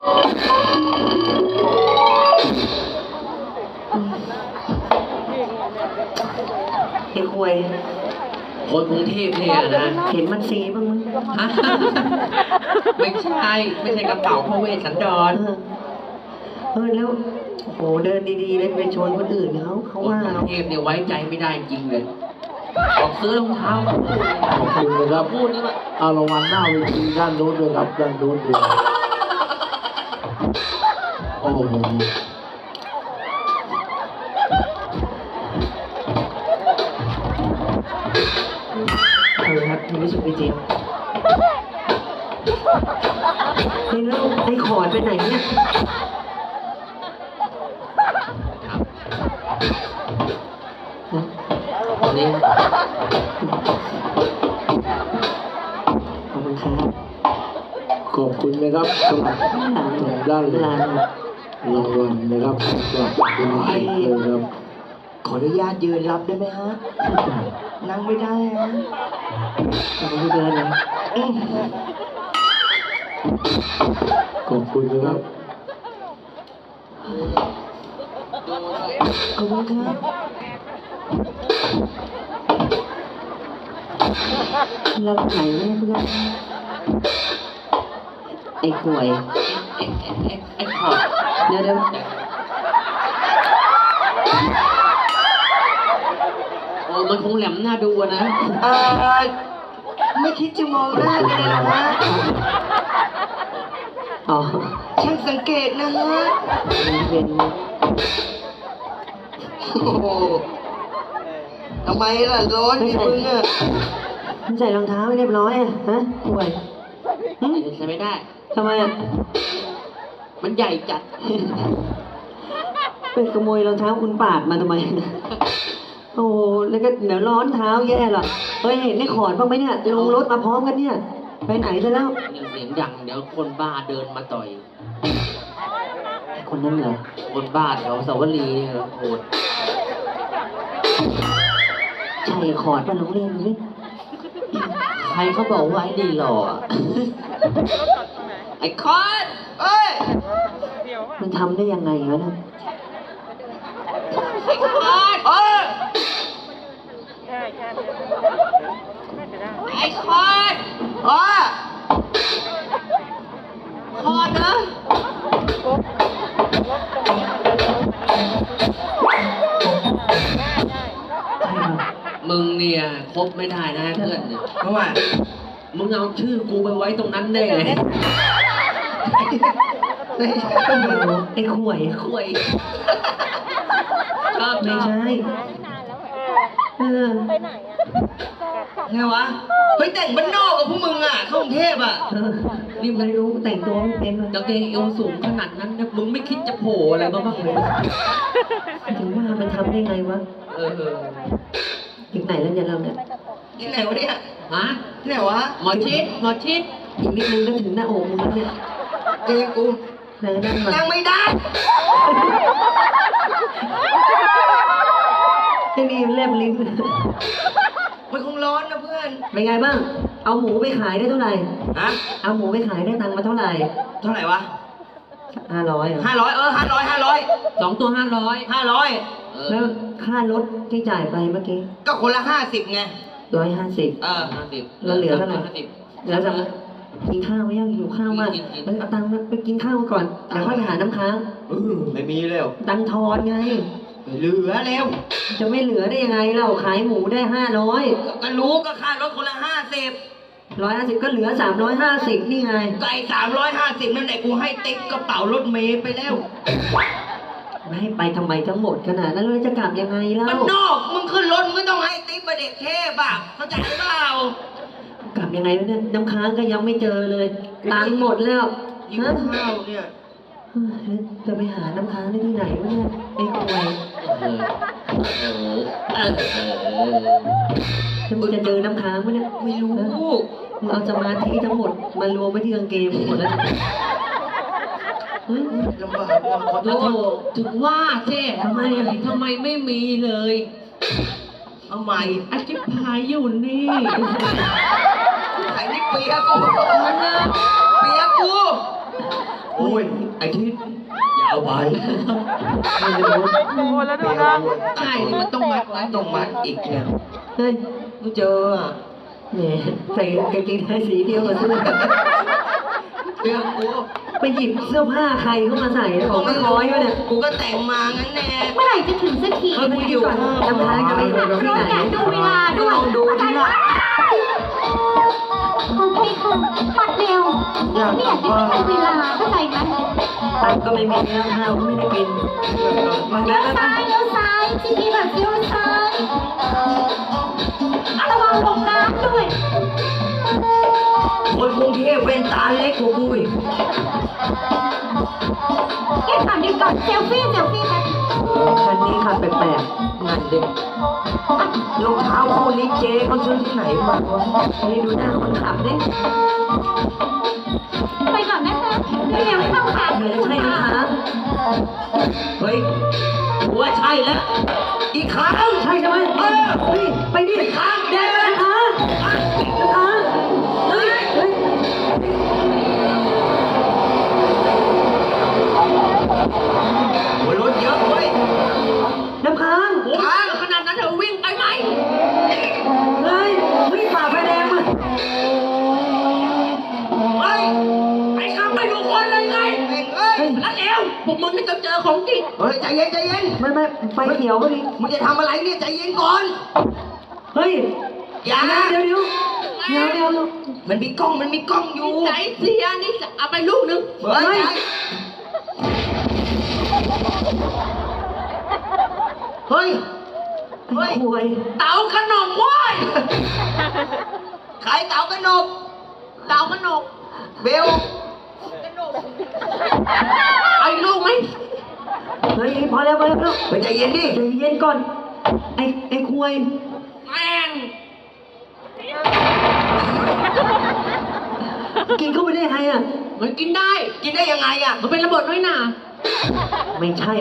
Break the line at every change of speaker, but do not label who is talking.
ไอ้ควย
คนกรุงเทพเนี่ยนะ
เห็นมันซีบ้างมั้ย
ไม่ใช่กระเป๋าพระเวสสันดร
แล้วโหเดินดีๆเลยไปชนคนอื่นเขาว่าก
รุงเทพเนี่ยไว้ใจไม่ได้จริงเลยออกซื้อรองเท้าข
อบคุณนะครับ
พูดนี่ว่า
เอารางวัลหน้าเวทีด้านโน้นด้วยครับด้านโน้นด้วยโอ้โห
ครับรู้สึกจริงนี่แล้วไอ้ขอดไปไหนเนี่ย
นี่
ขอบคุณครับ
ขอบคุณนะครับสำหรับด้านรางวัลนะครับสำหรับลายนะครับ
ขออนุญาตยืนรับได้ไหมฮะนั่งไม่ได้ฮะขอบคุณเดินเลย
ขอบคุณนะครับ
ขอบคุณครับเราไหนเนี่ยเพื่อนไอ้ข่วย
ไอ้ขอด
เดี๋ยว
โอ้มันคงแหลมหน้าดูนะ
ไม่คิดจะมองหน้าเลยหรอวะอ๋อช่างสังเกตนะฮะเป็นทำไมล่ะร้อนนี่มึงอ่ะมึงใส่รองเท้าไม่เรียบร้อยอ่ะฮะป่วย
ใส่ไม่ได้
ทำไมอ่ะ
มันใหญ่จัด
ไปขโมยรองเท้าคุณปาดมาทำไมโอ้แล้วก็เดี๋ยวร้อนเท้าแย่หรอเฮ้ยเห็นได้ขอดบ้างไหมเนี่ยลงรถมาพร้อมกันเนี่ยไปไหนซะแล้ว
เสียงดังเดี๋ยวคนบ้าเดินมาต่อย
คนนั้นเหรอ
คนบ้าแถวสาวรีเนี่ยโหด
ใช่ขอดมาโรงเรียนนี้
ใครเขาบอกว่าไอ้ดีหล่อไอ้คอด
เอ้ยมันทำได้ยังไงวะนะ
ไอ้คอดไอ้คอดคอดนะมึงเนี่ยคบไม่ได้นะเพื่อนเพราะว่ามึงเอาชื่อกูไปไว้ตรงนั้นได้ไง
ไอ้ข่วย
ชอบ
ไม่ใช่
ไปไหน
ไงวะเฮ้ยแต่งบ้านนอกกับพวกมึงอ่ะเข้ากรุงเทพอ่ะ
นี่ไม่รู้แต่งตัวไม่เป็น
กางเกงเอวสูงขนาดนั้นนะมึงไม่คิดจะโผล่อะไรบ้างเลย
ถึงว่ามันทำได้ไงวะถึงไหนแล้วเนี่ยเราเนี่ย
ที่ไหนวะเนี่ยฮะ
ที่ไหนวะ
หมอชิด
อีกนิดนึงก็ถึงหน้าอกมึงแล้วเนี่ย
เจอกู
นั่ง
ไม่ได้
ที่นี่เล็บลิ้น
มันคงร้อนนะเพื่อน
เป็นไงบ้างเอาหมูไปขายได้เท่าไหร่
ฮะ
เอาหมูไปขายได้ตังค์มาเท่าไหร่
วะ
500
500 2 ตัว500
แล้วค่ารถที่จ่ายไปเมื่อกี้
ก็คนละ50ไง
150
50
แล้วเหลือเท่าไหร่แล้วจะกินข้าวไม่ยังหิวข้าวมากเอาตังค์ไปกินข้าวก่อนเดี๋ยวค่อยไปหาน้ำค้าง
ไม่มีแล้ว
ตังค์ทอนไง
เหลือแล้ว
จะไม่เหลือได้ยังไงเราขายหมูได้500
ก็รู้ก็ค่ารถคนละ
150ก็เหลือ350นี่ไง
ไก่350นั่นแหละกูให้ติ๊กกระเป๋ารถเมย์ไปแล้ว
ไม่ให้ไปทำไมทั้งหมดขนาดนั้นเราจะกลับยังไงเล่า
มันนอกมึงขึ้นรถมึงต้องให้ติ๊กมาเด็กเทพอ่ะเข้าใจเปล่าก
ลับยังไงเนี่ยน้ำค้างก็ยังไม่เจอเลยตังค์หมดแล้ว
ข้าวเนี่ย
จะไปหาน้ำค้างได้ที่ไหนวะเนี่ยไอ้ควยมึงจะเจอน้ำค้างไหมเนี่ย
ไม่รู้
มึงเอาสมาธิทั้งหมดมารวมไว้ที่กางเกงหมดแล้ว
ลำบากขอโทษถึงว่าเจ๊ทำไมไม่มีเลยเอาใหม่อธิบายอยู่นี่ไอ้นี่เปียกูโอ้ยไอ้ทิศอย่าเอาไป
ไม่รู้
ใช่มันต้องมัดไว้ต้องมัดอีกเนี่ย
เฮ้ย
มึงเจออ่ะ
แหมใส่กางเกงในสีเดียวกันซะเลย
เรื่องกู
ไปหยิบเสื้อผ้าใครเข้ามาใส่ของไม่ร้อยวะเนี่ย
กูก็แต่งมางั้นแน่
เมื่อไหร่จะถึงสักที
เฮ้ยมึงอยู่ทำท้ายกันไปที่ไหน
อยากดูเวลาด้วย
ลองดูที่ละ
โอเคค่ะปัดเร็วไม่อยากจะให้ทันเวลาเข้าใจไหม
ตังค์ก็ไม่มีแล้วข้าวก็ไม่ได้กินมา
เลี้
แล้
ยว วซ้ายเลี้ยวซ้ายที่นี่แบบเลี้ยวซ้ายระวังลงน้ำด้วย
คนกรุงเทพเป็นตาเล็กกว่ากูอีก
แค่ถามดีก่อนเซลฟี่กัน
คันนี้ขับแปลก
นั่นเด็กรองเท้าคู่นี้เจ๊เขาซื้อที่ไหนมาวะ
ๆนี่ดูหน้าคนขับดิ
ไปก่อนนะคะเร็วเข้าค่ะ
เหมือนใช่ไหมคะ
เฮ้ยกูว่าใช่แล้ว อีกครั้ง
ใช่ใช่ไหมเฮ้ยไปดิ
อีกครั้ง
เดี๋ยวนะคะเฮ้ยเฮ้ย
โอ้ยรถเยอะเว้ย
น้ำค้าง
โอ้ยขนาดนั้นเธอวิ่งไปไหม
เฮ้ยวิ่งฝ่าไฟแดงมา
เฮ้ยไอ้ข้ามไปดูคนเลยไงเฮ้ยนั่นเอวพวกมึงนี่จะเจอของจริงเฮ้ยใจเย็นใจเย็น
ไม่ไฟเขียวก็ดิ
มึงจะทำอะไรเนี่ยใจเย็นก่อน
เฮ้ย
อย่า
เดี๋ยว
มันมีกล้องอยู่ใจเสียนี่เอาไปลูกนึงเฮ้ย
เฮ้ยหวย
เต๋าขนมเว้ยขายเต๋าขนมเบลไอ้ลูกไหม
เฮ้ยพอแล้ว
ไปใจเย็นดิ
ใจเย็นก่อน ไอ้ควย
แม่ง
กินเข้าไปได้ไงอ่ะ
มันกินได้ยังไงอ่ะมันเป็นระเบิดน้อยหนา
ไม่ใช่